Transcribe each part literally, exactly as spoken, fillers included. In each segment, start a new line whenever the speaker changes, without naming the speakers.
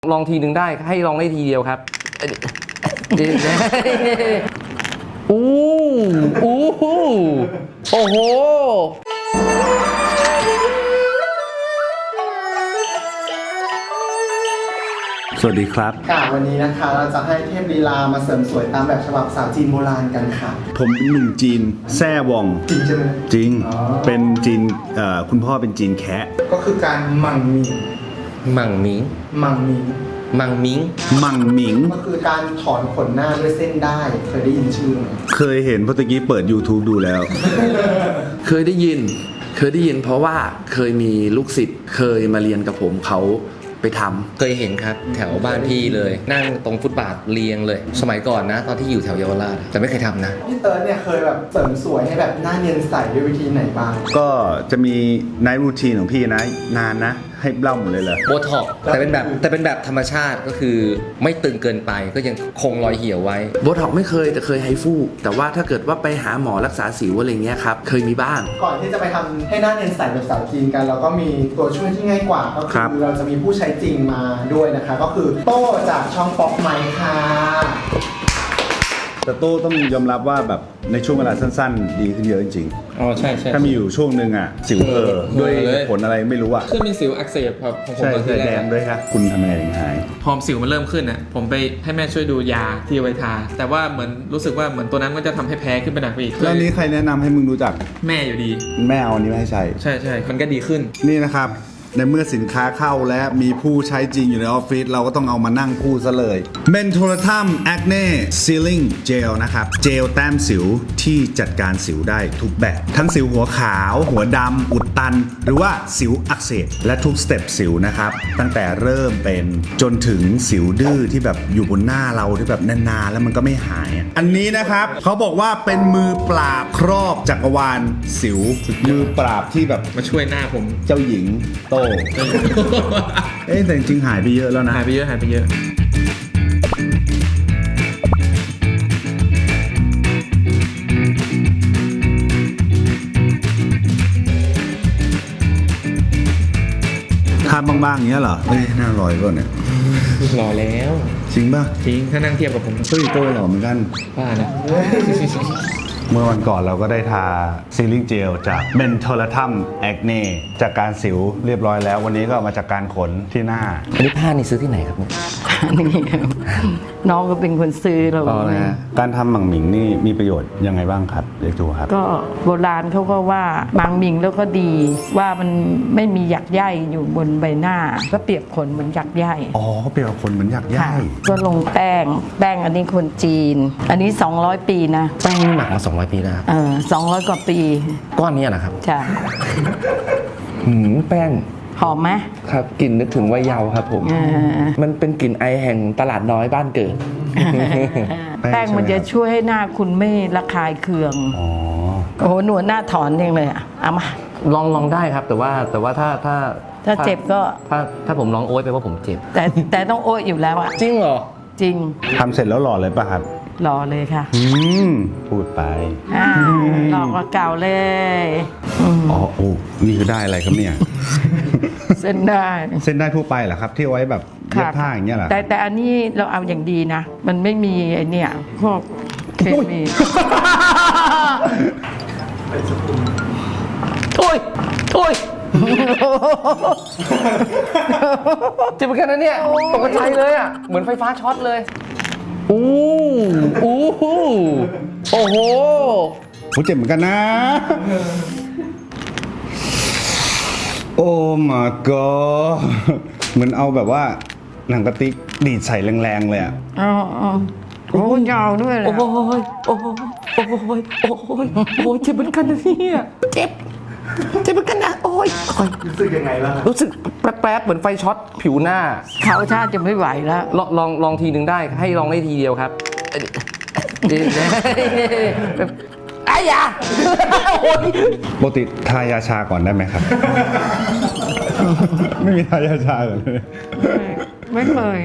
ลองทีหนึ่งได้ให้ลองได้ทีเดียวครับอู้อู้โอ้โห
สวัสดีครับ
ค่ะวันนี้นะคะเราจะให้เทพลีลามาเสริมสวยตามแบบฉบับสาวจีนโบราณกันค่ะ
ผมเป็นหนุ่มจีนแซ่วอง
จริงใช่ไหม
จริง
อ๋อ
เป็นจีนเอ่อคุณพ่อเป็นจีนแคะ
ก็คือการมังมิง
มังมิง
มังมิง
มังมิง
มังหมิง
ก็คือการถอนขนหน้าด้วยเส้นได้เคยได้ยินชื่อไหม
เคยเห็นเพราะตะกี้เปิด YouTube ดูแล้ว
เคยได้ยิน เคยได้ยินเพราะว่าเคยมีลูกศิษย์เคยมาเรียนกับผมเขาไปทำ
เคยเห็นครับแถวบ้านพี่เลย นั่งตรงฟุตบาทเรียงเลย สมัยก่อนนะ ตอนที่อยู่แถวเยาวราชแต่ไม่เคยทำนะ
พี่เติร์ดเนี่ยเคยแบบเสริมสวยให้แบบหน้าเนียนใสด้วยวิธีไหนบ้าง
ก็จะมีไนท์รูทีนของพี่นะ นานนะ ให้เล่าหมดเลยเหรอ
โบท็อกซ์แต่เป็นแบบแต่เป็นแบบธรรมชาติก็คือไม่ตึงเกินไปก็ยังคงรอยเหี่ยวไว้
โบท็อกไม่เคยแต่เคยไฮฟูแต่ว่าถ้าเกิดว่าไปหาหมอรักษาสิวอะไรเงี้ยครับเคยมีบ้าง
ก่อนที่จะไปทำให้หน้าเนียนใสแบบสาวจีนกัน เราก็มีตัวช่วยที่ง่ายกว่าก็
ครับ
คือเราจะมีผู้ใช้จริงมาด้วยนะคะ ก็คือโต้จากช่องป๊อกไมค์ค่ะ
แต่โต้ต้องยอมรับว่าแบบในช่วงเวลาสั้นๆ ดีขึ้นเยอะจริง
อ๋อใช่ใช่
ๆ ถ้ามีอยู่ช่วงหนึ่งอ่ะ สิวเออด้วย
เออเลย
ผลอะไรไม่รู้อ่ะ
คือมีสิวอักเสบครับของผม
ใช่
ตอน
ใช่
ที่แร
แด
ก
งด้วยครับ คุณทำไงถึงหาย
พอสิวมันเริ่มขึ้นอ่ะผมไปให้แม่ช่วยดูยาที่เอาไว้ทาแต่ว่าเหมือนรู้สึกว่าเหมือนตัวนั้นก็จะทำให้แพ้ขึ้นไปหนักไปอีก
แล้วนี้ใครแนะนำให้มึงรู้จัก
แม่อยู่ดี
แม่เอาอันนี้มาให้ใช้
ใช่ใช่มันก็ดีขึ้น
นี่นะครับ ในเมื่อสินค้าเข้าและมีผู้ใช้จริงอยู่ในออฟฟิศเราก็ต้องเอามานั่งพูดซะเลย Mentholatum Acne Sealing Gel นะครับ เจลแต้มสิวที่จัดการสิวได้ทุกแบบ ทั้งสิวหัวขาว หัวดำอุดตัน หรือว่าสิวอักเสบและทุกสเต็ปสิวนะครับ ตั้งแต่เริ่มเป็นจนถึงสิวดื้อที่แบบอยู่บนหน้าเราที่แบบนานๆแล้วมันก็ไม่หายอะอันนี้นะครับเขาบอกว่าเป็นมือปราบครอบจักรวาลสิวมือปราบที่แบบ
มาช่วยหน้าผม
เจ้าหญิงโต เอ๊ะแต่จริงๆหายไปเยอะแล้วนะ
หายไปเยอะหายไปเยอะ
ทานบางๆอย่างเงี้ยเหรอ เอ้ยน่าอร่อยป่ะเนี่ย
รอแล้ว
จริงป่ะ
จริงถ้านั่งเทียบกับผม
เฮ้ยโตหล่อเหมือนกัน
ว่านะ
เมื่อวันก่อนเราก็ได้ทาซีลิ่งเจลจาก Mentholatum Acne จากการสิวเรียบร้อยแล้ว วันนี้ก็มาจากการขนที่หน้า
อันนี้ผ้านี่ซื้อที่ไหนครับเนี่ย
นี่น้องก็เป็นคนซื้อเรา
อ๋อนะฮะ
การทำหมั่งหมิงนี่มีประโยชน์ยังไงบ้างครับเรียกดูครับ
ก็โบราณเขาก็ว่าบางมิงแล้วก็ดีว่ามันไม่มีหยักใยอยู่บนใบหน้า ก็เปรียบขนเหมือนหยักใย
อ๋อเปรียบกับคนเหมือนอยาก
ค่ะ
ย่าย
ก็ลงแป้ง แป้งอันนี้คนจีน อันนี้ สองร้อย ปีนะ
แป้งนี่หมักมาสองร้อยปีแล้วครับ
เออสองร้อยกว่าปี
ก้อนนี้นะครับ
ใช่
หืมแป้ง
หอมไหม
ครับกลิ่นนึกถึงวัยเยาว์ครับผม
เออ
มันเป็นกลิ่นไอแห่งตลาดน้อยบ้านเกิด
แป้งมันจะช่วยให้หน้าคุณไม่ระคายเคือง
อ๋อ
โอ้โหหนวดหน้าถอนเองเลยอะเอามา
ลองลองได้ครับ แต่ว่าแต่ว่าถ้าถ้า
ถ้าเจ็บก็
ถ้าถ้าผมร้องโอ๊ยไปว่าผมเจ็บ
แต่แต่ต้องโอ๊ยอยู่แล้วอะ
จริงเหรอ
จริง
ทำเสร็จแล้วหล่อเลยป่ะครับ
รอเลยค่ะ
อืม พูดไป
อ้าวหลอกกว่าเก่าเลยอืม
อ๋อโอ้นี่คือได้อะไรครับเนี่ย
เส้นได้
เส้นได้ทั่วไปเหรอครับ ที่เอาไว้แบบเย็บผ้าอย่างเงี้ยเหรอ
แต่แต่อันนี้เราเอาอย่างดีนะ มันไม่มีไอเนี่ยพวกเคมี
โอ้ยโอ้ยเจ็บเหมือนกันนะเนี่ยตกใจเลยอ่ะ เหมือนไฟฟ้าช็อตเลย อู้อู้โอ้โห
โหเจ็บเหมือนกันนะ โอ้ my god เหมือนเอาแบบว่าหนังกระติกดีดใส่แรงๆเลยอะ
อ๋ออ๋อโอ้ยาวด้วยเลย
โอ้ยโอ้ยโอ้ยโอ้ยโอ้ยโอ้ยเจ็บเหมือนกันนะเนี่ยเจ็บ เจ็บเหมือนกันนะ โอ้ยโอ้ย
รู้สึกยังไงบ้าง
รู้สึกแป๊บๆเหมือนไฟช็อตผิวหน้า
เขาชาติจะไม่ไหวแล้ว
ลองลองลองทีหนึ่งได้ให้ลองได้ทีเดียวครับไอ้ยา
ปกติทายาชาก่อนได้ไหมครับ ไม่มีทายาชาก่อนเลย
ไม่เคย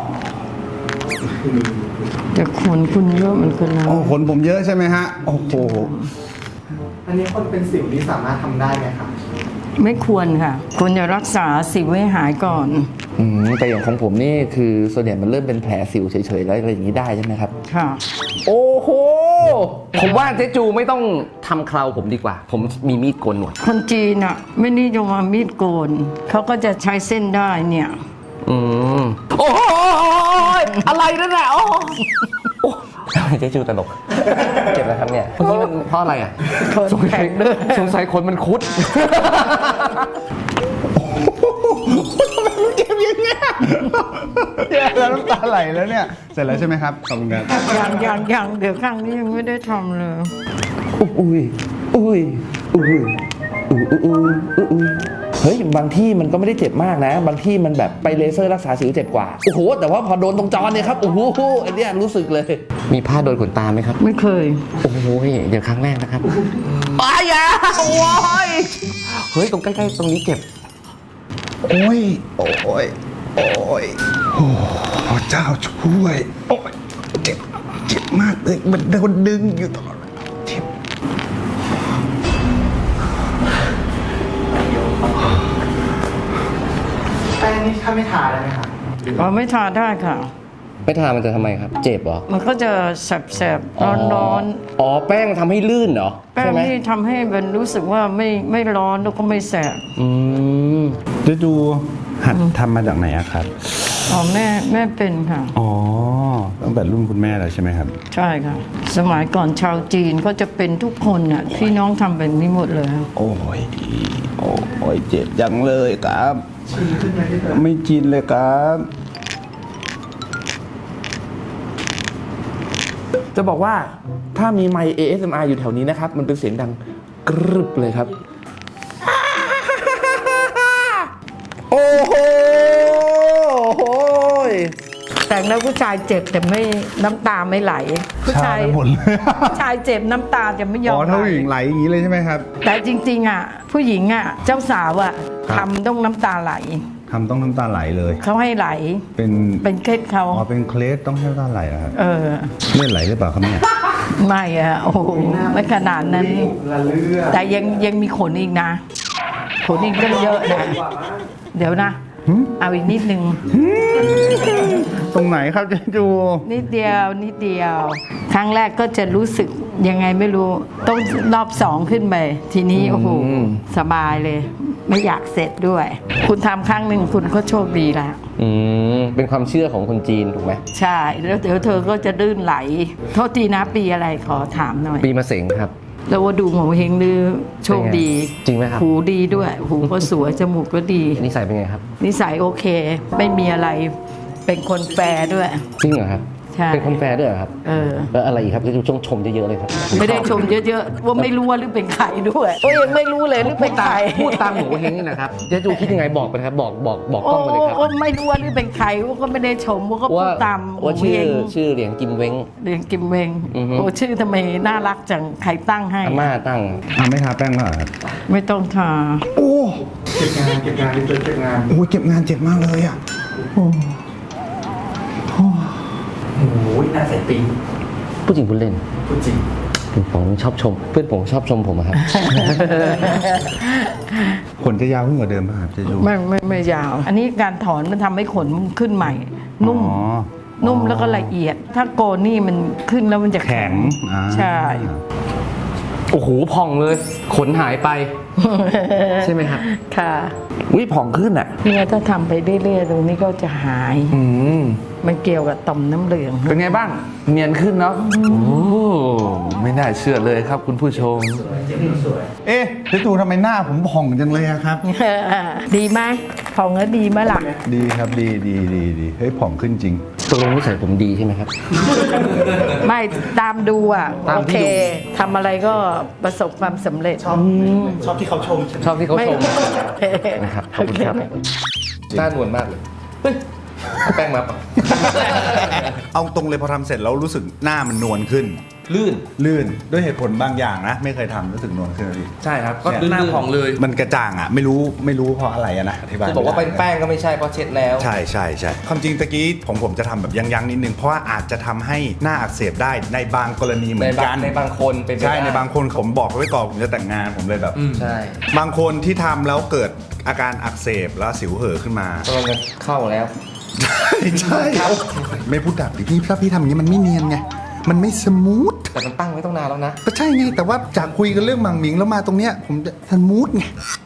แต่ขนคุณเยอะเหมือนกันนะ
โอ้ขนผมเยอะใช่ไหมฮะ โอ้โห
อันนี้คนเป็นสิวนี่สามารถทำได้ไหมคะ
ไม่ควรค่ะควรจะรักษาสิวให้หายก่อน
อืมแต่อย่างของผมนี่คือส่วนใหญ่มันเริ่มเป็นแผลสิวเฉยๆแล้วอะไรอย่างนี้ได้ใช่ไหมครับ
ค่ะ
โอ้โห ผมว่าเจ๊จูไม่ต้องทำเคราผมดีกว่า ผมมีมีดโกนหนวด
คนจีนอ่ะ ไม่นิยมเอามีดโกน เขาก็จะใช้เส้นได้เนี่ย
อืมโอ้ยอะไรนั่นแหละโอ้โอ้ทำไมเจ๊จูตลกเจ็บนะครับเนี่ยเมื่อกี้มันเพราะอะไรอ่ะ
คน
สงสั
แข็
ย
งด้วย
สงสัยคนมันคุด
เจ็บยังไงแย่แล้วน้ำตาไหลแล้วเนี่ย เสร็จแล้วใช่ไหมครับ ขอบคุณครับ
ยังยังยังเดี๋ยวข้างนี้ยังไม่ได้ทำเลย
อุ้ยอุ้ยอุ้ยอุ้ยอุ้ยอุ้ยอุ้ยอุ้ยเฮ้ยบางที่มันก็ไม่ได้เจ็บมากนะ บางที่มันแบบไปเลเซอร์รักษาสิวเจ็บกว่าโอ้โหแต่ว่าพอโดนตรงจอเนี่ยครับโอ้โหอันเนี้ยรู้สึกเลย
มีผ้าโดนขนตาไหมครับ
ไม่เคย
โอ้โหเดี๋ยวครั้งแรกนะครับอ้ายาโอ้ยเฮ้ยตรงใกล้ๆตรงนี้เจ็บ
โอ้ย โอ้ย โอ้ย โอ้พระเจ้าช่วย โอ้ย เจ็บ เจ็บมากเลย มันโดนดึงอยู่ตลอดเวลาเจ็บ
แป้งนี่ถ้าไม่ทาได้ไหมคะ
อ๋อไม่ทานได้ค่ะ
ไปทามันจะทำไมครับ เจ็บเหรอ
มันก็จะแสบๆร้อนร้อน
อ๋อแป้งทำให้ลื่นเหรอ
ๆแป้
ใช่
ง
ไหม
นี่ทำให้มันรู้สึกว่าไม่ไม่ร้อนแล้วก็ไม่แสบ
อืม
จะดูหัดทำมาจากไหนอะครับ
อ๋อแม่แม่เป็นค่ะ
อ๋อ ตั้งแต่รุ่นคุณแม่แล้วใช่ไหมครับ
ใช่ค่ะ สมัยก่อนชาวจีนก็จะเป็นทุกคนน่ะพี่น้องทำแบบนี้หมดเลยค่ะ
โอ้ย โอ้ย เจ็บจังเลยครับ ไม่จินเลยครับ
จะบอกว่าถ้ามีไมค์ เอ เอส เอ็ม อาร์ อยู่แถวนี้นะครับ มันเป็นเสียงดังกรึบเลยครับ โอ้โหโอ้ย
แต่งแล้วผู้ชายเจ็บแต่ไม่น้ำตาไม่ไหล ผู้ชาย
ชาไปหมดเลย
ผู้ชายเจ็บน้ำตาจะไม่ยอ
อ๋
ม
อ
ไห
ถ้า
ล
ผู้หญิงไหลอย่างนี้เลยใช่ไหมครับ
แต่จริงๆอ่ะผู้หญิงอ่ะเจ้าสาวอ่ะ
ครับ
ทำต้องน้ำตาไหล
ทำต้องน้ำตาไหลเลย
เขาให้ไหล
เป็น
เป็นเคล็ดเขา
อ๋อ เป็นเคลสต้องให้น้ำตาไหลเหรอครับ
เออ
เลือดไหลหรือเปล่าครับเนี่ย
ไม่อะโอ้โหไม่ขนาดนั้น
ละเลือด
แต่ยังยังมีขนอีกนะ ขนอีกตั้งเยอะนะ เดี๋ยวนะ เอาอีกนิดนึง
ตรงไหนครับเจ๊จู
นิดเดียวนิดเดียว ครั้งแรกก็จะรู้สึกยังไงไม่รู้ ต้องรอบสองขึ้นไป ทีนี้โอ้โหสบายเลย ไม่อยากเสร็จด้วย คุณทำครั้งหนึ่งคุณก็โชคดีแล้ว
อืม เป็นความเชื่อของคนจีนถูกไหม
ใช่ แล้วเดี๋ยวเธอก็จะลื่นไหล โทษทีนะปีอะไรขอถามหน่อย
ปีมะเสงครับ
แล้วว่าดูหมอเฮงดื้อโชคดี
จริงไหมครับ
หูดีด้วย หูก็สวยจมูกก็ดี
นิสัยเป็นไงครับ
นิสัยโอเค ไม่มีอะไร เป็นคนแฟร์ด้วย
จริงเหรอครับ
ใช่
เป็นคนแฟร์ด้วยเหรอครับ
เออ
แล้วอะไรอีกครับที่ชงชมเยอะๆเลยครับ
ไม่ได้ชมเยอะๆ ว่าไม่รู้ว่าหรือเป็นใครด้วยก็ยังไม่รู้เลยหรือเป็นใคร
พูดตามหมูเฮงนี่นะครับเจ๊จูคิดยังไงบอกไปนะครับ บอกบอกบอกกล้องไปเลยครับ
โอ้ไม่รู้ว่าหรือเป็นใครว่าก็ไม่ได้ชมว่าก็พู
ว่า
ดตามหมู
ว่าชื่
เฮ
อง ชื่อเหลียงกิมเว้ง
เรียนกิมเวง
อือฮึ
โอ้ชื่อทำไมน่ารักจังใครตั้งให้
อาม่าตั้ง
อ่าไม่ทาแป้งแล้วเหรอครับ
ไม่ต้องทา
โอ้
เก็บงานเก็บงานที่เจอเก็บงาน
โหเจ็บงานเจ็บมากเลยอ่ะ
โอ้ยน่าใส่ปิง
ผู้จริงพูดเล่น
พูดจริง
ผมชอบชม เพื่อนผมชอบชมผมอะครับ
ขนจะยาวขึ้นกว่าเดิมป่ะครับเจ๊จู
ไม่ไม่ไม่ยาว อันนี้การถอนมันทำให้ขนมันขึ้นใหม่ นุ่ม
อ๋อ
นุ่มแล้วก็ละเอียด ถ้าโกนนี่มันขึ้นแล้วมันจะแข็ง
แข็งอ่า
ใช่
โอ้โหพองเลย ขนหายไป ใช่ไหมครับ
ค่ะ
วิผ่องขึ้นอ่ะ
เนี่ยถ้าทำไปเรื่อยๆตรงนี้ก็จะหาย
อืม
มันเกี่ยวกับต่อมน้ำเหลือง
เป็นไงบ้าง เนียนขึ้นเนาะโอ้ไม่น่าเชื่อเลยครับคุณผู้ชม
เอ๊ะเจ๊จูทำไมหน้าผมผ่องจังเลยอะครับ
ดีไหมของก็ดีไหมล่ะ
ดีครับดีดีดีดีเฮ้ยผ่องขึ้นจริง
ตกลงนิสัยผมดีใช่ไหมครับ
ไม่ตามดูอ่ะ
ตาม
โอ
ที่
เค
ดู
ทำอะไรก็ประสบความสำเร็จ
ชอบชอบที่เขาชมใช่ไหม
ชอบที่เขา
ไม่
ชมนะครับ ขอบคุณครับ หน้านวลมากเลย เฮ้ยเอาแป้งมาปะ
เอาตรงเลยพอทำเสร็จแล้วรู้สึกหน้ามันนวลขึ้น
ลื่น
ลื่นด้วยเหตุผลบางอย่างนะ ไม่เคยทำรู้สึกนวลขึ้นเลย
ใช่ครับ ก็
เนี่ย
หน้าผ่องเลย
มันกระจ่างอ่ะ ไม่รู้ไม่รู้เพราะอะไรอะนะอธิบาย
คือบอกว่า
ไม่
เป็น
ได้
แป้งก็ไม่ใช่เพราะเช็ดแล้ว
ใช่ใช่ใช่ความจริงตะกี้ผมผมจะทำแบบยั้งๆนิดนึงเพราะว่าอาจจะทำให้หน้าอักเสบได้ในบางกรณีเหมื
ใน
อน
บา
กั
ง
น
ในบางคนเป็นไป
ใช่
ได้
ในบางคนผมบอกไว้ก่อนผมจะแต่งงานผมเลยแบบ
ใช่
บางคนที่ทำแล้วเกิดอาการอักเสบแล้วสิวเห่อะขึ้นมา
กำลังจะเข้าแล้ว
ใช่ใช่ไม่พูดดับดิพี่ถ้าพี่ทำอย่างนี้มันไม่เนียนไงมันไม่สมูท
แต่มันตั้งไว้ต้องนานแล้วนะ
ก็ใช่ไงแต่ว่าจากคุยกันเรื่องหมังหมิงแล้วมาตรงเนี้ยผมจะสมูทไง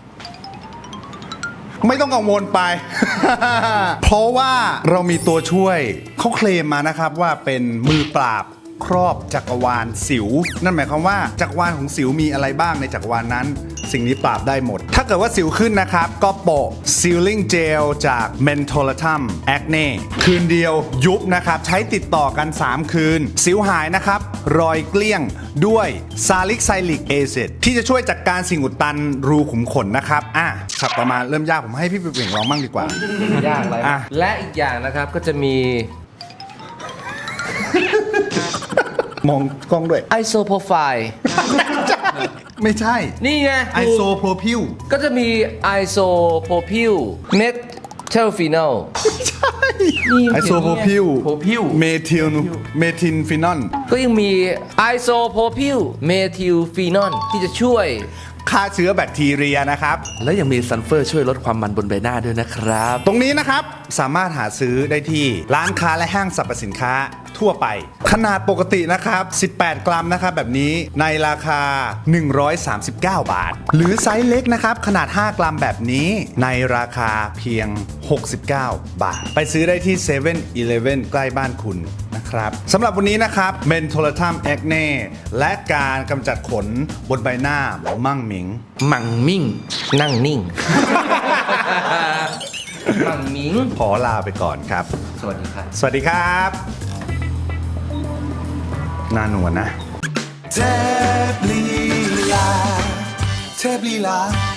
ไม่ต้องกังวลไป เพราะว่าเรามีตัวช่วยเขาเคลมมานะครับว่าเป็นมือปราบครอบจักรวาลสิว นั่นหมายความว่าจักรวาลของสิวมีอะไรบ้างในจักรวาลนั้น สิ่งนี้ปราบได้หมด ถ้าเกิดว่าสิวขึ้นนะครับ ก็โปะ Sealing Gel จาก Mentholatum Acne คืนเดียวยุบนะครับ ใช้ติดต่อกัน สาม คืน สิวหายนะครับ รอยเกลี้ยงด้วย Salicylic Acid ที่จะช่วยจัดการสิ่งอุดตันรูขุมขนนะครับอ่ะฉับต่อมาเริ่มยากผมให้พี่เป่งลองบ้างดีกว่า
ยากอะไร
อ่ะ
และอีกอย่างนะครับก็จะมี
มองกล้องด้วย
ไอโซโปรไฟล์
ไม่ใช่
นี่ไง
ไอโซโพรพิว
ก็จะมีไอโซโพรพิลเมทเทลฟีนอล
ไอโซโพรพิว
โพรพิล
เมทิลเมทินฟินอล
ก็ยังมีไอโซโพรพิลเมทิลฟีนอลที่จะช่วย
ฆ่าเชื้อแบคทีเรียนะครับ
แล้วยังมีซันเฟอร์ช่วยลดความมันบนใบหน้าด้วยนะครับ
ตรงนี้นะครับสามารถหาซื้อได้ที่ร้านค้าและห้างสรรพสินค้าทั่วไป ขนาดปกตินะครับ สิบแปด กรัมนะครับแบบนี้ในราคา หนึ่งร้อยสามสิบเก้า บาท หรือไซส์เล็กนะครับ ขนาด ห้ากรัมแบบนี้ในราคาเพียง หกสิบเก้า บาท ไปซื้อได้ที่ เซเว่น อีเลฟเว่น ใกล้บ้านคุณนะครับสำหรับวันนี้นะครับ Mentholatum Acne และการกำจัดขนบนใบหน้ามั่งหมิง
มังมิ่ง
นั่งนิ่ง มั่งมิง
ขอลาไปก่อนครับ
สวัสดีครับ
สวัสดีครับหน้านวลนะ
เทพลีลาเทพลีลา